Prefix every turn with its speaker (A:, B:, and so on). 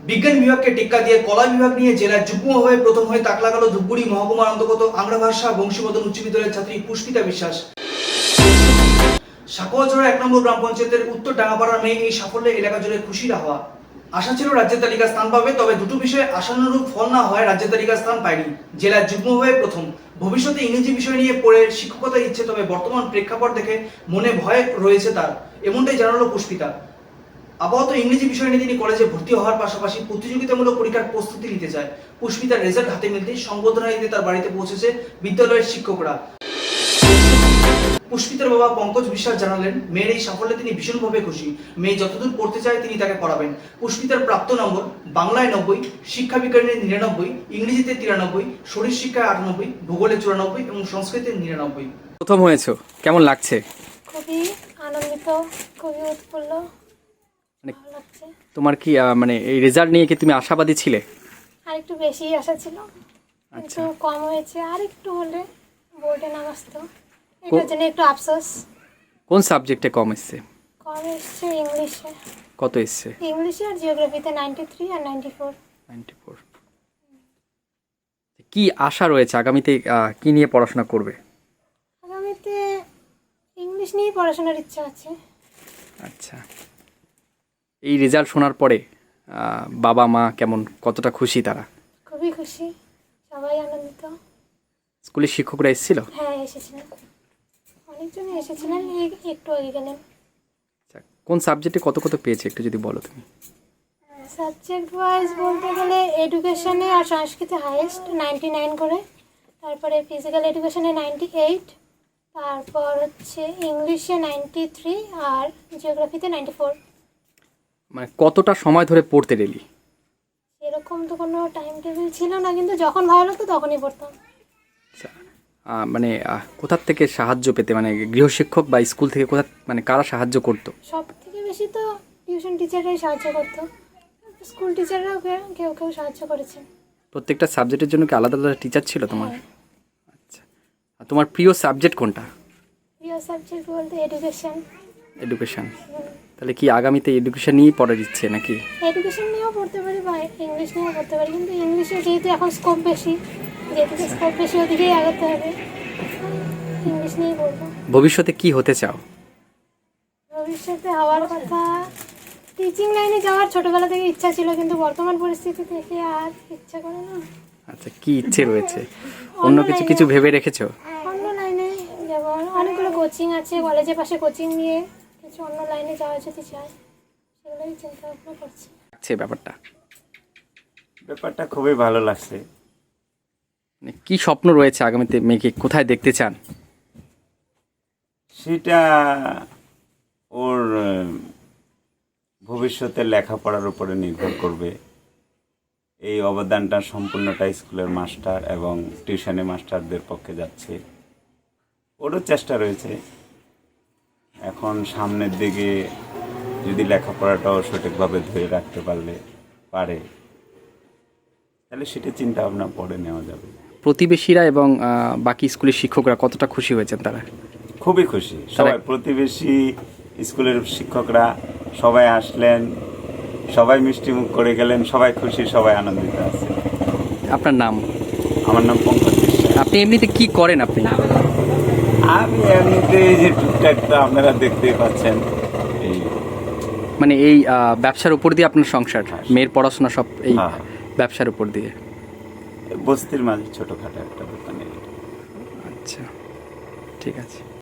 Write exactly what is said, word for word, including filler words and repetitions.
A: বিজ্ঞান বিভাগকে টেক্কা দিয়ে কলা বিভাগ নিয়ে জেলার যুগ্মভাবে প্রথম হয়ে তাক লাগালো ধূপগুড়ি মহকুমার অন্তর্গত আংরা ভাষা বংশীমদন উচ্চ বিদ্যালয়ের ছাত্রী পুষ্পিতা বিশ্বাস। সাকোয়াঝোড়া এক নম্বর গ্রাম পঞ্চায়েতের উত্তর ডাঙ্গাপাড়ার মেয়ে এই সাফল্যে এলাকা জুড়ে খুশির হাওয়া। আশা ছিল রাজ্যের তালিকা স্থান পাবে, তবে দুটো বিষয়ে আশানুরূপ ফল না হয় রাজ্যের তালিকা স্থান পায়নি। জেলার যুগ্মভাবে প্রথম। ভবিষ্যতে ইংরেজি বিষয় নিয়ে পড়ে শিক্ষকতার ইচ্ছে, তবে বর্তমান প্রেক্ষাপট দেখে মনে ভয় রয়েছে তার, এমনটাই জানালো পুষ্পিতা। আপাতত ইংরেজি বিষয় নিয়ে তিনি কলেজে ভর্তি হওয়ার পাশাপাশি প্রতিযোগিতামূলক পরীক্ষার প্রস্তুতি নিতে চায়। পুষ্পিতার রেজাল্ট হাতে মিলতেই সংবর্ধনা দিতে তার বাড়িতে পৌঁছেছে বিদ্যালয়ের শিক্ষকরা। পুষ্পিতার বাবা পঙ্কজ বিশ্বাস জানালেন, মেয়ের এই সাফল্যে তিনি ভীষণভাবে খুশি। মেয়ে যতদূর পড়তে চায় তিনি তাকে পড়াবেন। পুষ্পিতার প্রাপ্ত নম্বর বাংলায় নব্বই, শিক্ষা বিজ্ঞানে নিরানব্বই, ইংরেজিতে তিরানব্বই, শরীর শিক্ষায় আটানব্বই, ভূগোলে চুরানব্বই এবং সংস্কৃতে নিরানব্বই।
B: প্রথম হয়েছো, কেমন লাগছে?
C: খুবই আনন্দিত, খুবই উৎফুল্ল,
B: মানে
C: ভালো লাগছে।
B: তোমার কি আহ, মানে এই রেজাল্ট নিয়ে কি তুমি আশাবাদী ছিলে?
C: আর একটু বেশি আশা ছিল, কিন্তু কম হয়েছে। আর একটু হলে বোর্ডে নাম আসতো, এটার জন্য একটু আফসোস।
B: কোন সাবজেক্টে কম এসছে?
C: কম এসছে ইংলিশে।
B: কত এসছে?
C: ইংলিশে আর জিওগ্রাফিতে নাইনটি থ্রি আর নাইনটি ফোর।
B: Ninety four. কি আশা রয়েছে আগামীতে, আহ, কি নিয়ে পড়াশোনা করবে?
C: আগামীতে ইংলিশ নিয়েই পড়াশোনার ইচ্ছা আছে।
B: আচ্ছা, এই রেজাল্ট শোনার পরে আহ, বাবা মা কেমন, কতটা খুশি তারা?
C: খুবই খুশি, সবাই আনন্দিত।
B: স্কুলের শিক্ষকরা এসেছিল?
C: হ্যাঁ, এসেছিলেন, অনেকজনই এসেছিলেন, এই একটু আগে গেলেন।
B: আচ্ছা, কোন সাবজেক্টে কত কত পেয়েছে একটু যদি বলো তুমি।
C: সাবজেক্ট ওয়াইজ বলতে গেলে এডুকেশনে আর সংস্কৃতে হাইয়েস্ট নাইনটি নাইন করে, তারপরে ফিজিক্যাল এডুকেশনে নাইনটি এইট, তারপর হচ্ছে ইংলিশে নাইনটি থ্রি আর জিওগ্রাফিতে নাইনটি ফোর।
B: মানে কতটা সময় ধরে পড়তে রেলি?
C: এরকম তো কোনো টাইম টেবিল ছিল না, কিন্তু যখন ভালো লাগতো তখনই পড়তাম।
B: আচ্ছা, আহ, মানে আহ, কোথার থেকে সাহায্য পেতে, মানে গৃহশিক্ষক বা স্কুল থেকে কোথা, মানে কারা সাহায্য করতো?
C: সব থেকে বেশি তো টিউশন টিচাররাই সাহায্য করতো, স্কুল টিচাররাও কে- কেউ কেউ সাহায্য করেছে।
B: প্রত্যেকটা সাবজেক্টের জন্য কি আলাদা আলাদা টিচার ছিল তোমার? আচ্ছা, আর তোমার প্রিয় সাবজেক্ট কোনটা?
C: প্রিয় সাবজেক্ট বলতে এডুকেশন।
B: এডুকেশন। তাহলে কি আগামীতে এডুকেশন নিয়েই পড়ার ইচ্ছে নাকি?
C: এডুকেশন নিয়েও পড়তে পারি বা ইংলিশ নিয়েও পড়তে পারি, কিন্তু ইংলিশে যেহেতু এখন স্কোপ বেশি, যেহেতু স্কোপ বেশি ওদিকেই আগাতে হবে, ইংলিশ নিয়েই পড়বো।
B: ভবিষ্যতে কি হতে চাও?
C: ভবিষ্যতে হওয়ার কথা টিচিং লাইনে যাওয়ার ছোটবেলা থেকে ইচ্ছা ছিল, কিন্তু বর্তমান পরিস্থিতি দেখে আর ইচ্ছা করে না।
B: আচ্ছা, কি ইচ্ছে রয়েছে? অন্য কিছু কিছু ভেবে রেখেছো?
C: অন্য লাইনে, যেমন অনেকগুলো কোচিং আছে, কলেজের পাশে কোচিং নিয়ে কিছু অন্য লাইনে যাওয়া যদি চাই, সেগুলোই চিন্তা ভাবনা করছি।
B: আচ্ছা, ব্যাপারটা
D: ব্যাপারটা খুবই ভালো লাগছে।
B: মানে কি স্বপ্ন রয়েছে আগামীতে, মেয়েকে কোথায় দেখতে চান?
D: সেটা ওর আহ, ভবিষ্যতের লেখাপড়ার উপরে নির্ভর করবে। এই অবদানটা সম্পূর্ণটা স্কুলের মাস্টার এবং টিউশনি মাস্টারদের পক্ষে যাচ্ছে। ওরও চেষ্টা রয়েছে, এখন সামনের দিকে যদি লেখাপড়াটাও সঠিকভাবে ধরে রাখতে পারলে পারে, তাহলে সেটা চিন্তা ভাবনা পরে নেওয়া যাবে।
B: প্রতিবেশীরা এবং আহ, বাকি স্কুলের শিক্ষকরা কতটা খুশি হয়েছেন তারা?
D: খুবই খুশি সবাই, প্রতিবেশী স্কুলের শিক্ষকরা সবাই আসলেন, সবাই মিষ্টি মুখ করে গেলেন, সবাই খুশি, সবাই আনন্দিত আছে।
B: আপনার নাম?
D: আমার নাম পঙ্কজ বিশ্বাস।
B: আপনি এমনিতে কি করেন আপনি?
D: আমি এমনিতে এই যে টুকটাক তো আপনারা দেখতেই পাচ্ছেন, এই
B: মানে এই আহ, ব্যবসার উপর দিয়ে আপনার সংসার, মেয়ের পড়াশোনা সব এই
D: হ্যাঁ।
B: ব্যবসার উপর দিয়ে?
D: বস্তির মাঝে ছোটখাটো একটা দোকানে।
B: আচ্ছা, ঠিক আছে।